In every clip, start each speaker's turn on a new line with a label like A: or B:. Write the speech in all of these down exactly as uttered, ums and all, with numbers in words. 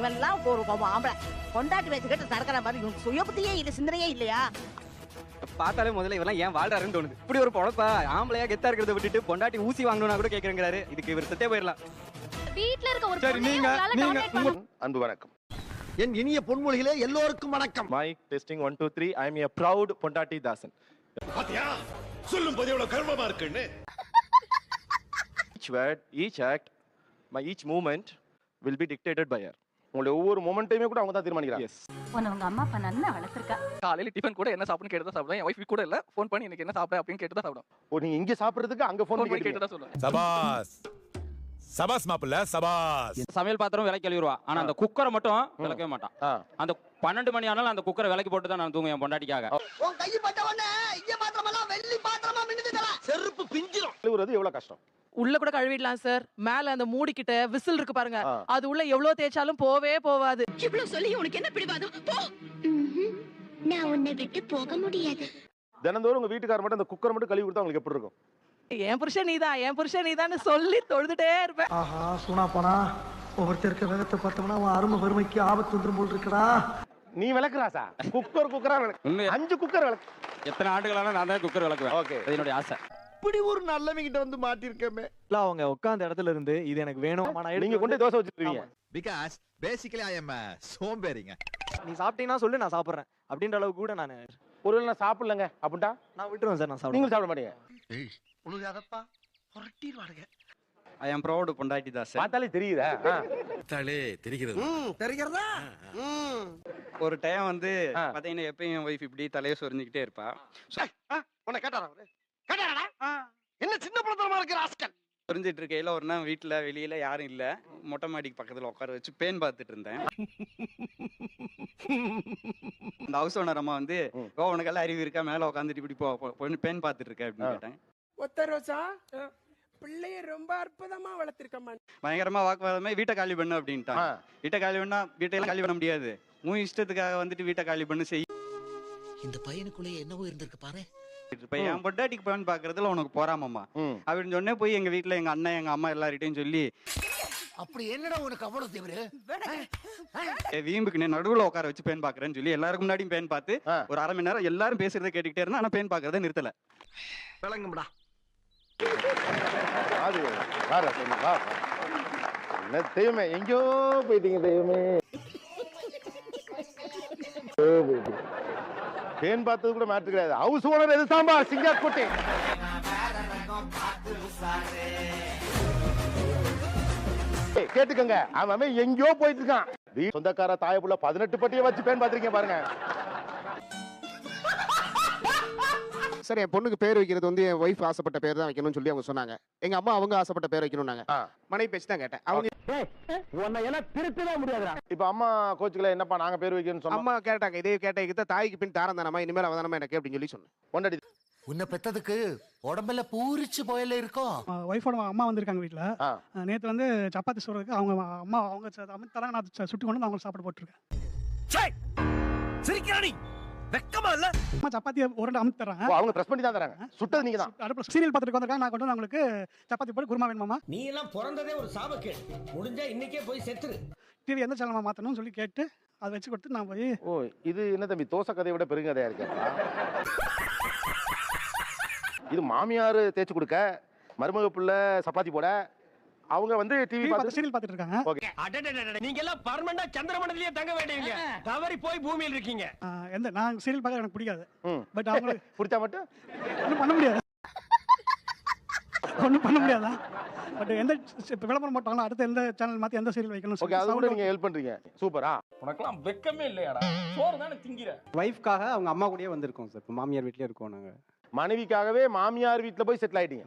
A: இவன் எல்லாம் ஒரு ஆம்பளை கொண்டாட்டி வச்சுக்கிட்டு நடக்கிற மாதிரி இவனுக்கு சுய புத்தியே இல்ல, சிந்தனையே இல்லையா?
B: பார்த்தாலே முதல்ல இவெல்லாம் ஏன் வாழ்றாருன்னு தோணுது. இப்படி ஒரு பொழப்பா ஆம்பளையா கெத்தா இருக்கிறத விட்டுட்டு பொண்டாட்டி ஊசி வாங்கணும்னா கூட கேக்குறேங்கிறாரு. இதுக்கு இவர் செத்தே போயிடலாம்.
C: வீட்ல இருக்க ஒரு
B: சரி, நீங்க நீங்க
D: அன்பு வணக்கம்.
E: என் இனிய பொன்மொழிகளே எல்லோருக்கும் வணக்கம்.
D: Mic testing one two three. I am a proud பொண்டாட்டி தாசன்.
F: பாத்தியா சொல்லும் போது எவ்வளவு கர்வமா இருக்குன்னு.
D: Each word, each act, my each movement will be dictated by her. உங்களுடைய ஒவ்வொரு மொமெண்ட்டையுமே கூட அவங்க தான் தீர்மானிக்கிறாங்க. எஸ்.
C: உன்னை உங்க அம்மா அப்பா நல்லா வளர்த்திருக்கா.
B: காலையில டிஃபன் கூட என்ன சாப்பிடுன்னு கேட்டு தான் சாப்பிடுவேன். என் வைஃப் கூட இல்ல, ஃபோன் பண்ணி எனக்கு என்ன சாப்பிட அப்படின்னு கேட்டு தான் சாப்பிடுவேன்.
D: ஓ, நீங்க இங்க சாப்பிடுறதுக்கு அங்க ஃபோன் பண்ணி
B: கேட்டு தான் சொல்லுவேன்.
G: சபாஸ் சபாஸ் மாப்பிள்ள சபாஸ்.
H: சமையல் பாத்திரம் விலைக்கு கழுவிடுவா, ஆனா அந்த குக்கரை மட்டும் விளக்கவே மாட்டான். அந்த பன்னெண்டு மணி ஆனாலும் அந்த குக்கரை விலைக்கு போட்டு தான் நான் தூங்குவேன் என் பொண்டாட்டிக்காக.
E: உன் கை பட்ட உடனே இங்க பாத்திரமெல்லாம் வெள்ளி பாத்திரமா மின்னுதுடா. செருப்பு பிஞ்சிரும்.
D: கழுவுறது எவ்வளவு கஷ்டம்.
I: உள்ள கூட கழுவிடலாம் சார். மேல அந்த மூடி கிட்ட விசில் இருக்கு பாருங்க, அது உள்ள எவ்வளவு தேய்ச்சாலும் போவே போவாது.
A: இவ்வளவு சொல்லி உனக்கு என்ன பிடிவாதம்? போ. நான் உன்னை விட்டு போக முடியாது.
D: தினந்தோறும் உங்க வீட்டுக்காரர் மட்டும் அந்த குக்கர் மட்டும் கழுவி கொடுத்தா உங்களுக்கு எப்படி இருக்கும்?
I: என் புருஷன் நீதான், என் புருஷன் நீதான்னு சொல்லி தொழுதுட்டே இருப்பேன்.
E: ஆஹா, சூனா போனா ஒவ்வொருத்தருக்கு வேகத்தை பார்த்தோம்னா அவன் அருமை வறுமைக்கு ஆபத்து வந்துரும் போல் இருக்கடா.
D: நீ விளக்குறாசா? குக்கர் குக்கரா விளக்கு. அஞ்சு குக்கர் விளக்கு.
H: எத்தனை ஆண்டுகளான நான் தான் குக்கர் விளக்குவேன்.
D: ஓகே,
H: அது என்னுடைய ஆசை.
E: இப்படி ஒரு நல்லவங்க கிட்ட வந்து மாட்டிருக்கமே.
J: இல்ல அவங்க உட்கார்ந்த இடத்துல இருந்து இது எனக்கு வேணும்,
D: நீங்க கொண்டு தோசை வச்சிருக்கீங்க.
F: பிகாஸ் பேசிக்கலி ஐ அம் சோம்பேறிங்க.
J: நீ சாப்பிட்டீங்கன்னா சொல்லு நான் சாப்பிடுறேன் அப்படின்ற அளவுக்கு கூட நான்
D: ஒருவேளை நான் சாப்பிடலங்க அப்படின்ட்டா
J: நான் விட்டுருவேன் சார். நான் சாப்பிடுவேன்.
D: நீங்க சாப்பிட மாட்டீங்க.
E: ஏய் உனக்கு புரட்டிடுவானுங்க.
B: ஐ அம் ப்ரௌட் பொண்டாட்டி தாசன்.
D: பார்த்தாலே தெரியுதா?
F: தாளே தெரிகிறது.
E: ம், தெரிகிறதா? ம்.
B: ஒரு டைம் வந்து பாத்தீங்கன்னா எப்பயும் என் வைஃப் இப்படி தலையை சொரிஞ்சுக்கிட்டே இருப்பா.
E: உன்னை கேட்டாரா அவரு? கேட்டாரா? என்ன சின்ன பழத்தனமா இருக்கிற ஆஸ்கல்.
B: சொரிஞ்சிட்டு இருக்கையில ஒரு நாள் வீட்டுல வெளியில யாரும் இல்ல, மொட்டை மாடிக்கு பக்கத்துல உட்கார வச்சு பேன் பார்த்துட்டு இருந்தேன். அந்த ஹவுஸ் ஓனர் அம்மா வந்து, ஓ உனக்கெல்லாம் அறிவு இருக்கா, மேல உட்காந்துட்டு இப்படி போ பேன் பார்த்துட்டு இருக்க அப்படின்னு கேட்டேன்.
I: ஒத்த ரோசா பிள்ளைய ரொம்ப அற்புதமா வளர்த்திருக்கமா.
B: பயங்கரமா வாக்குவாதமே, வீட்டை காலி பண்ணு அப்படின்ட்டான். வீட்டை காலி பண்ணா வீட்டையெல்லாம் காலி பண்ண முடியாது, உன் இஷ்டத்துக்காக வந்துட்டு வீட்டை காலி பண்ணு செய்.
E: இந்த பையனுக்குள்ளே என்னவோ இருந்திருக்கு பாரு.
B: இப்ப என் பொண்டாட்டிக்கு பேன் பாக்குறதுல உனக்கு போறாமம்மா அப்படின்னு சொன்னே போய் எங்க வீட்டுல எங்க அண்ணன் எங்க அம்மா எல்லார்கிட்டையும் சொல்லி,
E: அப்படி என்னடா உனக்கு அவ்வளவு தேவரு?
B: வீம்புக்கு நடுவுல உட்கார வச்சு பேன் பாக்குறேன்னு சொல்லி எல்லாருக்கும் முன்னாடியும் பேன் பார்த்து ஒரு அரை மணி நேரம் எல்லாரும் பேசுறதை கேட்டுக்கிட்டே இருந்தா, ஆனா பேன் பாக்குறத நிறுத்தல.
E: விளங்கும்டா.
D: அது வார சொல்லு வா. என்ன தெய்வமே, எங்கோ போயிட்டீங்க தெய்வமே. பேன் பார்த்தது கூட மேட்டர் கிடையாது. ஹவுஸ் ஓனர் எது சாம்பார் சிங்காரக்கோட்டை. கேட்டுக்கங்க, அவன் எங்கயோ போயிட்டு இருக்கான். சொந்தக்கார தாயப்புள்ள பதினெட்டு பட்டியை வச்சு பேன் பார்த்திருக்கீங்க பாருங்க.
K: சார், என் பொண்ணுக்கு பேர் வைக்கிறது வந்து என் ஒய்ஃப் ஆசைப்பட்ட பேர் தான் வைக்கணும்னு சொல்லி அவங்க சொன்னாங்க. எங்க அம்மா அவங்க ஆசைப்பட்ட பேர் வைக்கணும்னாங்க. மனைவி பேச்சு தான் கேட்டேன். அவங்க
E: உன்னை எல்லாம் திருத்தவே முடியாதுடா.
D: இப்ப அம்மா கோச்சுக்கல, என்னப்பா நாங்க பேர் வைக்கணும்னு சொன்னா,
K: அம்மா கேட்டாங்க இதே கேட்ட தாய்க்கு பின் தாரம் தானமா, இனிமேல் அவதானமா எனக்கு அப்படின்னு சொல்லி சொன்னேன்.
D: பொண்டாட்டி
E: உன்னை பெத்ததுக்கு உடம்பெல்லாம் பூரிச்சு போயில இருக்கும்.
I: ஒய்ஃபோட அம்மா வந்திருக்காங்க வீட்டுல. நேத்து வந்து சப்பாத்தி சொல்றதுக்கு அவங்க அம்மா அவங்க தராங்க, நான் சுட்டி கொண்டு அவங்களுக்கு சாப்பிட போட்டுருக்கேன்.
E: சிரிக்கிறானி வெக்கமா இல்ல?
I: அம்மா சப்பாத்தி ஒரு ரெண்டு அமுத்து தராங்க.
D: அவங்க பிரஸ் பண்ணி தான் தராங்க. சுட்டது நீங்க தான்.
I: அடுப்புல சீரியல் பார்த்துட்டு வந்திருக்காங்க. நான் கொண்டு வந்து அவங்களுக்கு சப்பாத்தி போட்டு குருமா வேணுமாமா.
E: நீ எல்லாம் பிறந்ததே ஒரு சாபக்கேடு. முடிஞ்சா இன்னைக்கே போய் செத்துரு.
I: டிவி எந்த சேனல் மாத்தணும்னு சொல்லி கேட்டு அதை வச்சு கொடுத்து நான் போய்,
D: ஓ இது என்ன தம்பி தோசை கதையை விட பெருங்கதையா இருக்கு. இது மாமியார் தேய்ச்சி கொடுக்க, மருமக புள்ள சப்பாத்தி போட, அவங்க வந்து டிவி பார்த்து
I: சீரியல் பார்த்துட்டு இருக்காங்க.
D: ஓகே.
E: அடடடடட, நீங்க எல்லாம் பர்மனண்டா சந்திரமண்டலத்திலே தங்க வேண்டியவங்க. தவறி போய் பூமியில இருக்கீங்க.
I: எந்த நான் சீரியல் பார்க்க எனக்கு பிடிக்காது. பட் அவங்களுக்கு
D: பிடிச்சா மட்டும்
I: ஒன்றும் பண்ண முடியாது. ஒன்றும் பண்ண முடியாதா? பட் எந்த விளம்பரம் போட்டாங்களோ அடுத்து எந்த சேனல் மாற்றி எந்த சீரியல் வைக்கணும்.
D: ஓகே, அது கூட நீங்க ஹெல்ப் பண்றீங்க. சூப்பரா.
J: உனக்கெல்லாம் வெக்கமே இல்லையாடா? சோறு தானே திங்கிற.
B: வைஃப்காக அவங்க அம்மா கூடயே வந்திருக்கோம் சார். இப்போ மாமியார் வீட்லயே இருக்கோம் நாங்க.
D: மனைவிக்காகவே மாமியார் வீட்டுல போய் செட்டில் ஆயிட்டீங்க.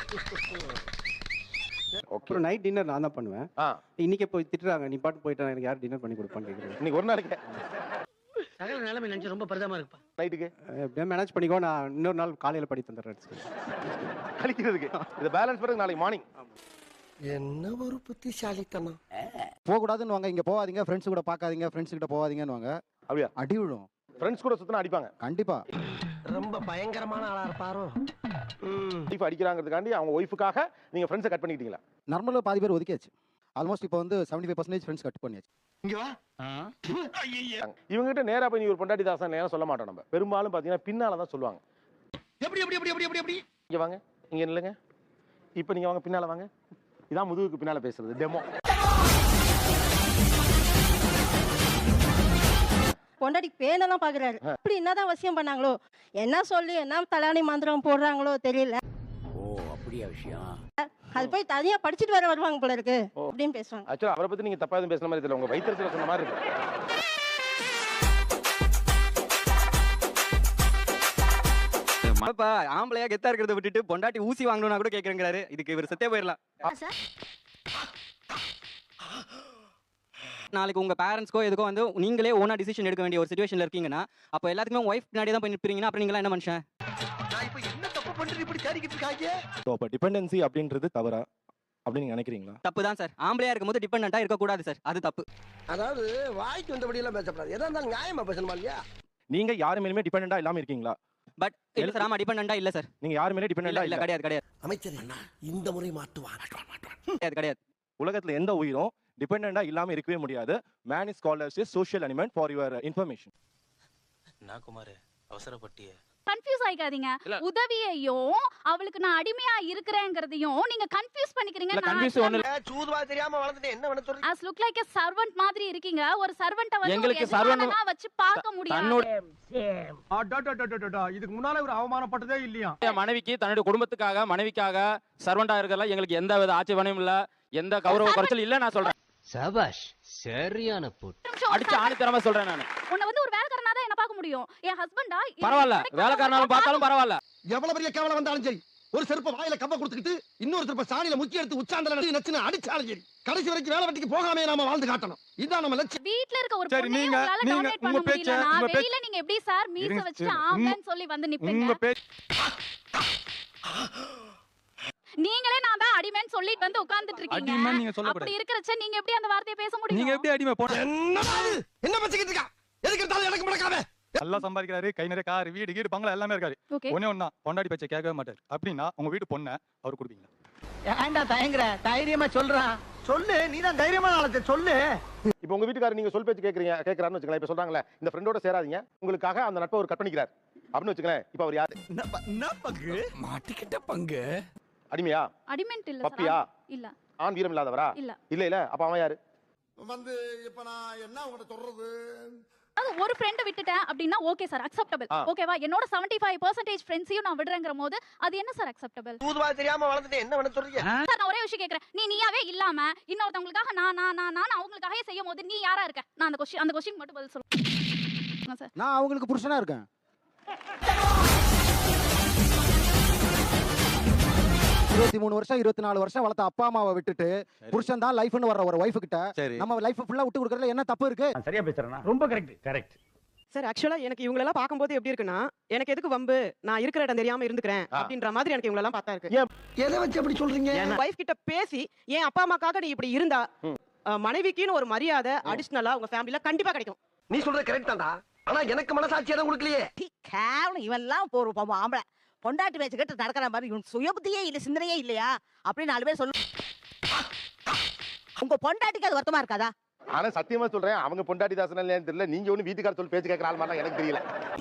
B: ஓகே, நைட் டின்னர் நான் தான் பண்ணுவேன். இன்னைக்கு போய் திட்டுறாங்க, நீ பாட்டு போயிட்டா எனக்கு யார் டின்னர் பண்ணி கொடுப்பான்னு கேக்குறேன்.
D: இன்னைக்கு ஒரு நாளைக்கு
E: சகல நிலைமை நினைச்சு ரொம்ப பரிதாபமா இருக்குப்பா.
D: நைட்டுக்கு
B: எப்படியா மேனேஜ் பண்ணிக்கோ, நான் இன்னொரு நாள் காலையில படி தந்துடுறேன்
D: கழிக்கிறதுக்கு. இதை பேலன்ஸ் பண்ணி நாளைக்கு மார்னிங்.
E: என்ன ஒரு புத்திசாலித்தனம்.
K: போக கூடாதுன்னு வாங்க, இங்க போகாதீங்க, ஃப்ரெண்ட்ஸ் கூட பார்க்காதீங்க, ஃப்ரெண்ட்ஸ் கிட்ட போகாதீங்கன்னு வாங்க.
D: அப்படியா?
K: அடி விழும்.
D: ஃப்ரெண்ட்ஸ் கூட சுத்தினா அடிப்பாங்க
K: கண்டிப்பா.
E: ரொம்ப பயங்கரமான ஆளா இருப்பாரோ.
D: ஒய்ஃப் அடிக்கிறாங்கிறதுக்காண்டி அவங்க ஒய்ஃபுக்காக நீங்க ஃப்ரெண்ட்ஸை கட் பண்ணிக்கிட்டீங்களா?
K: நார்மலாக பாதி பேர் ஒதுக்கியாச்சு. ஆல்மோஸ்ட் இப்போ வந்து seventy five percentage friends cut பண்ணியாச்சு.
D: இவங்க கிட்ட நேரா போய் நீ ஒரு பொண்டாட்டி தாசன் நேரம் சொல்ல மாட்டோம் நம்ம. பெரும்பாலும் பாத்தீங்கன்னா பின்னால தான் சொல்லுவாங்க.
E: எப்படி எப்படி எப்படி எப்படி எப்படி
D: இங்க வாங்க, இங்க நில்லுங்க. இப்போ நீங்க வாங்க, பின்னால வாங்க. இதான் முதுகுக்கு பின்னால பேசுறது டெமோ.
L: பொண்டாடி பேனெல்லாம் பாக்குறாரு. இப்படி என்னதான் வசியம் பண்ணாங்களோ, என்ன சொல்லி என்ன தலாணி மந்திரம் போடுறாங்களோ தெரியல.
F: ஓ அப்படியா விஷயம்.
L: அது போய் தனியா படிச்சுட்டு வர வருவாங்க போல இருக்கு அப்படின்னு பேசுவாங்க.
D: ஆக்சுவலா அவரை பத்தி நீங்க தப்பா எதுவும் பேசுற மாதிரி தெரியல, உங்க வயிற்றுல சொன்ன மாதிரி இருக்கு.
B: அப்பா ஆம்பளையா கெத்தா இருக்கிறத விட்டுட்டு பொண்டாட்டி ஊசி வாங்கணும்னா கூட கேக்குறேங்கிறாரு. இதுக்கு இவர் செத்தே போயிடலாம். நாளைக்கு உங்க பேரண்ட்ஸ்க்கோ எதுக்கோ வந்து நீங்களே ஓனா டிசிஷன் எடுக்க வேண்டிய ஒரு சிச்சுவேஷன்ல இருக்கீங்கன்னா, அப்ப எல்லாத்துக்குமே ஒய்ஃப் பின்னாடி தான் போய் நிப்பீங்கன்னா அப்புறம் நீங்க என்ன மனுஷன்?
E: நான் இப்போ என்ன தப்பு பண்றது இப்படி தேடிக்கிட்டு இருக்காங்க?
D: சோ அப்ப டிபெண்டன்சி அப்படின்றது தவறா அப்படி நீங்க நினைக்கிறீங்களா?
B: தப்பு தான் சார். ஆம்பளையா இருக்கும்போது டிபெண்டன்ட்டா இருக்க கூடாது சார். அது தப்பு.
E: அதாவது வாய்க்கு வந்தபடி எல்லாம் பேசக்கூடாது. எதா இருந்தாலும் நியாயமா பேசணுமா இல்லையா?
D: நீங்க யாரு மேலுமே டிபெண்டன்டா இல்லாம இருக்கீங்களா?
B: பட் இல்ல சார், ஆமா டிபெண்டன்ட்டா இல்ல சார்.
D: நீங்க யாரு மேலே டிபெண்டன்டா
B: இல்ல
D: இல்ல?
B: கிடையாது கிடையாது.
E: அமைச்சர் இந்த முறை மாட்டுவான்.
B: கிடையாது கிடையாது.
D: உலகத்துல எந்த உயிரும் டிபெண்டன்டா இல்லாம இருக்கவே முடியாது. Man is called as a social element for your information.
J: நான் குமார் அவசரப்பட்டியே.
C: கன்ஃபியூஸ் ஆயிக்காதீங்க. உதவியையும் அவளுக்கு நான் அடிமையா இருக்கிறேங்கிறதையும் நீங்க கன்ஃபியூஸ் பண்ணிக்கிறீங்க.
H: இல்ல கன்ஃபியூஸ் ஒண்ணு இல்ல.
E: சூதுவா தெரியாம வளர்ந்துட்டு என்ன பண்ண சொல்றீங்க?
C: as look like a servant மாதிரி இருக்கீங்க. ஒரு சர்வன்ட்ட வந்து
H: எங்களுக்கு
C: சர்வன்ட்டா வச்சு பார்க்க முடியாது.
E: இதுக்கு முன்னால ஒரு அவமானப்பட்டதே இல்லையா?
H: என் மனைவிக்கு தன்னுடைய குடும்பத்துக்காக மனைவிக்காக சர்வெண்டா இருக்கறதுல எங்களுக்கு எந்த வித ஆட்சேபனையும் இல்ல, எந்த கௌரவ குறைச்சல் இல்ல. நான் சொல்றேன்
J: சபாஷ், சரியான போட்டு.
H: அடிச்சு ஆணித்தரமா சொல்றேன் நான்.
C: உன்னை வந்து ஒரு வேலைக்காரனா தான் என்ன பார்க்க முடியும். என் ஹஸ்பண்டா
H: பரவாயில்ல, வேலைக்காரனாலும் பார்த்தாலும் பரவாயில்ல.
E: எவ்வளவு பெரிய கேவலம் வந்தாலும் சரி, ஒரு செருப்ப வாயில கப்ப கொடுத்துக்கிட்டு இன்னொரு செருப்ப சாணியில முக்கி எடுத்து உச்சாண்டல நச்சுன்னு அடிச்சாலும் சரி, கடைசி வரைக்கும் வேலை வெட்டிக்கு போகாமே நாம வாழ்ந்து காட்டணும். இதான் நம்ம லட்சியம்.
C: வீட்ல இருக்க ஒரு
G: சரி,
C: பொண்ணே
G: நீங்க-
C: உங்களால
G: நீங்க-
C: டாமினேட்
G: உங்க
C: பண்ண
G: பேச்ச-
C: முடியலனா
G: உங்க பேச்ச-
C: வெளியில நீங்க எப்படி சார் மீச
G: இருங்க,
C: வச்சுட்டு
G: சரி.
C: ஆம்பளைன்னு சொல்லி வந்து நிப்பீங்க?
G: உங்க பேச்சு
C: நீங்களே நான் தான் அடிமைன்னு சொல்லிட்டு வந்து உட்கார்ந்துட்டு இருக்கீங்க.
G: அடிமைன்னு நீங்க சொல்லக்கூடாது.
C: அப்படி இருக்கறச்ச நீங்க எப்படி அந்த வார்த்தையை பேச முடியும்?
G: நீங்க எப்படி அடிமை போன
E: என்னடா இது? என்ன பச்சிக்கிட்டு இருக்கா? எதுக்கு எடுத்தாலும் எனக்கு முடக்காம.
G: நல்லா சம்பாதிக்கிறாரு, கை நிறைய கார், வீடு கீடு பங்களா எல்லாமே இருக்காரு.
C: ஓகே.
G: ஒண்ணே ஒண்ணா பொண்டாடி பேச்சை கேட்கவே மாட்டாரு. அப்படின்னா உங்க வீட்டு பொண்ணை அவர் கொடுப்பீங்களா?
E: ஏன்டா தயங்குற? தைரியமா சொல்றான். சொல்லு, நீ தான் தைரியமான ஆளு, சொல்லு.
D: இப்போ உங்க வீட்டுக்காரர் நீங்க சொல் பேச்சு கேக்குறீங்க கேக்குறாருன்னு வச்சுக்கலாம். இப்ப சொல்றாங்கல்ல, இந்த ஃப்ரெண்டோட சேராதீங்க, உங்களுக்காக அந்த நட்பை ஒரு கட் பண்ணிக்கிறார் அப்படின்னு வச்சுக்கலாம். இப்போ அவர் யாரு?
F: என்ன பங்கு மாட்டிக்கிட்ட பங்கு?
D: அடிமையா?
C: அடிமென்ட் இல்ல
D: பப்பியா?
C: சார். இல்ல.
D: ஆண் வீரம் இல்லாதவரா?
C: இல்ல.
D: இல்ல இல்ல. அப்ப அவன் யாரு?
F: வந்து இப்ப நான் என்ன உங்கள்ட்ட சொல்றது?
C: அது ஒரு ஃப்ரெண்ட விட்டுட்டேன் அப்படினா ஓகே சார், அக்செப்டபிள். ஓகேவா? என்னோட எழுபத்தி ஐந்து சதவீதம் ஃப்ரெண்ட்ஸையும் நான் விடுறேங்கறபோது அது என்ன சார் அக்செப்டபிள்?
E: சூதுவா தெரியாம வளர்ந்துட்டு என்ன பண்ண சொல்றீங்க?
C: சார் நான் ஒரே விஷயம் கேக்குறேன். நீ நீயாவே இல்லாம இன்னொருத்தவங்களுக்காக நான் நான் நான் நான் அவங்களுக்காக செய்யும்போது நீ யாரா இருக்க? நான் அந்த क्वेश्चन அந்த क्वेश्चन மட்டும் பதில் சொல்லுங்க சார்.
K: நான் அவங்களுக்கு புருஷனா இருக்கேன். இருபத்தி மூணு வருஷம் இருபத்தி நாலு வருஷம் வளர்த்த அப்பா அம்மாவை விட்டுட்டு புருஷன் தான் லைஃப்னு வர்ற ஒரு வைஃப் கிட்ட நம்ம லைஃப் ஃபுல்லா விட்டு கொடுக்கறதுல என்ன தப்பு இருக்கு?
J: சரியா பேசுறேனா? ரொம்ப கரெக்ட். கரெக்ட்.
L: சார் ஆக்சுவலா எனக்கு இவங்க எல்லாம் பாக்கும்போது எப்படி இருக்குன்னா, எனக்கு எதுக்கு வம்பு, நான் இருக்கிற இடம் தெரியாம இருந்துக்கிறேன் அப்படின்ற மாதிரி எனக்கு இவங்க எல்லாம் பார்த்தா இருக்கு.
E: எதை வச்சு அப்படி சொல்றீங்க?
L: வைஃப் கிட்ட பேசி என் அப்பா அம்மாக்காக நீ இப்படி இருந்தா மனைவிக்குன்னு ஒரு மரியாதை அடிஷனலா உங்க ஃபேமிலில கண்டிப்பா கிடைக்கும்.
E: நீ சொல்றது கரெக்ட் தான்டா. ஆனா எனக்கு மனசாட்சி எதுவும் கொடுக்கலையே.
L: கேவலம் இவெல்லாம் போற பாவம் ஆம்பளை பொண்டாட்டி பேச்சு கேட்டு நடக்கிற மாதிரி இவன் சுயபுத்தியே இல்ல, சிந்தனையே இல்லையா அப்படின்னு நாலு பேர் சொல்லு. உங்க பொண்டாட்டிக்கு அது வருத்தமா இருக்காதா?
D: ஆனா சத்தியமா சொல்றேன், அவங்க பொண்டாட்டி தாசனா இல்லையான்னு தெரியல. நீங்க ஒண்ணு வீட்டுக்கார சொல் பேச்சு கேட்கற ஆள் மாதிரி எனக்கு தெரியல.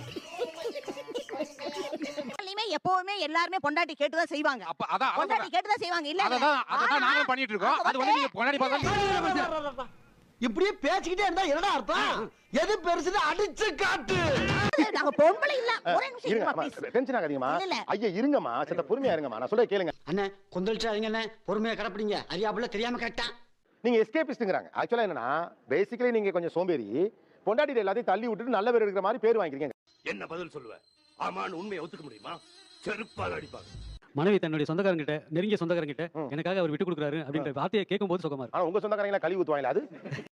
L: எப்பவுமே எல்லாருமே பொண்டாட்டி கேட்டுதான் செய்வாங்க.
H: அப்ப அதான்
L: பொண்டாட்டி கேட்டுதான் செய்வாங்க. இல்ல
H: அதான் அதான் நாங்க பண்ணிட்டு இருக்கோம். அது வந்து நீங்க பொண்டாடி பார்த்தா
E: இப்படியே பேசிக்கிட்டே இருந்தா என்னடா அர்த்தம்? எது பெருசுன்னு அடிச்சு காட்டு.
L: நாங்க பொம்பளை இல்ல. ஒரே நிமிஷம்
D: இருங்க,
L: இருங்க ப்ளீஸ்.
D: டென்ஷன் ஆகாதீங்கம்மா. ஐயா இருங்கம்மா, சத்த பொறுமையா இருங்கம்மா. நான் சொல்ல கேளுங்க.
E: அண்ணே கொந்தளிச்சாதீங்க அண்ணே, பொறுமையா கடப்பிடிங்க. அறியாப்புல தெரியாம கேட்டா.
D: நீங்க எஸ்கேபிஸ்ட்ங்கறாங்க. ஆக்சுவலா என்னன்னா பேசிக்கலி நீங்க கொஞ்சம் சோம்பேறி. பொண்டாட்டி எல்லாத்தையும் தள்ளி விட்டுட்டு நல்ல பேர் எடுக்கிற மாதிரி பேர் வாங்கிக்கிறீங்க.
F: என்ன பதில் சொல்லுவ? ஆமான்னு உண்மையை ஒத்துக்க முடியுமா? செருப்பால அடிப்பாங்க.
I: மனைவி தன்னுடைய சொந்தக்காரங்கிட்ட, நெருங்கிய சொந்தக்காரங்கிட்ட எனக்காக அவர் விட்டு கொடுக்குறாரு அப்படின்ற வார்த்தையை கேட்கும்போது சுகமா இருக்கு.
D: ஆனா உங்க சொந்தக்காரங்கள கழுவி ஊத்துவாங்களா? அது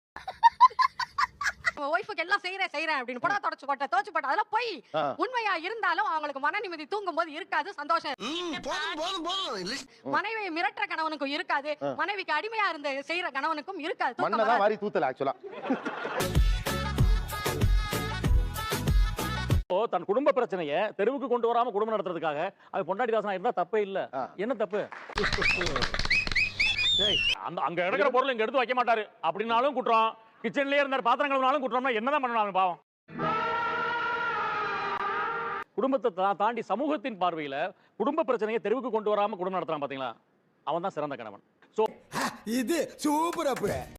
L: வைஃப்க்கு எல்லாம் செய்றேன் செய்றேன் அப்படின்னு படா தொடச்சு போட்ட தோச்சு போட்ட அதெல்லாம் போய் உண்மையா இருந்தாலும் அவங்களுக்கு மன நிம்மதி தூங்கும் போது இருக்காது, சந்தோஷம்.
E: போதும் போதும் போதும்.
L: மனைவியை மிரட்டுற கணவனுக்கும் இருக்காது, மனைவிக்கு அடிமையா இருந்த செய்யற கணவனுக்கும் இருக்காது.
D: மண்ணதான் வாரி தூத்தல ஆக்சுவலா.
J: தன் குடும்ப பிரச்சனைய தெருவுக்கு கொண்டு வராம குடும்பம் நடத்துறதுக்காக அது பொண்டாட்டி தாசனா இருந்தா தப்பே இல்ல. என்ன தப்பு? அந்த அங்க எடுக்கிற பொருள் இங்க எடுத்து வைக்க மாட்டாரு அப்படின்னாலும் குற்றம், கிச்சன்லயே இருந்தார், பாத்திரம் கழுவினாலும் குற்றம்னா என்னதான் பண்ணணும் பாவம். குடும்பத்தை தா- தாண்டி சமூகத்தின் பார்வையில குடும்ப பிரச்சனையை தெருவுக்கு கொண்டு வராம குடும்பம் நடத்துறான் பாத்தீங்களா, அவன் தான் சிறந்த கணவன். சோ
E: இது சூப்பர் அப்பு.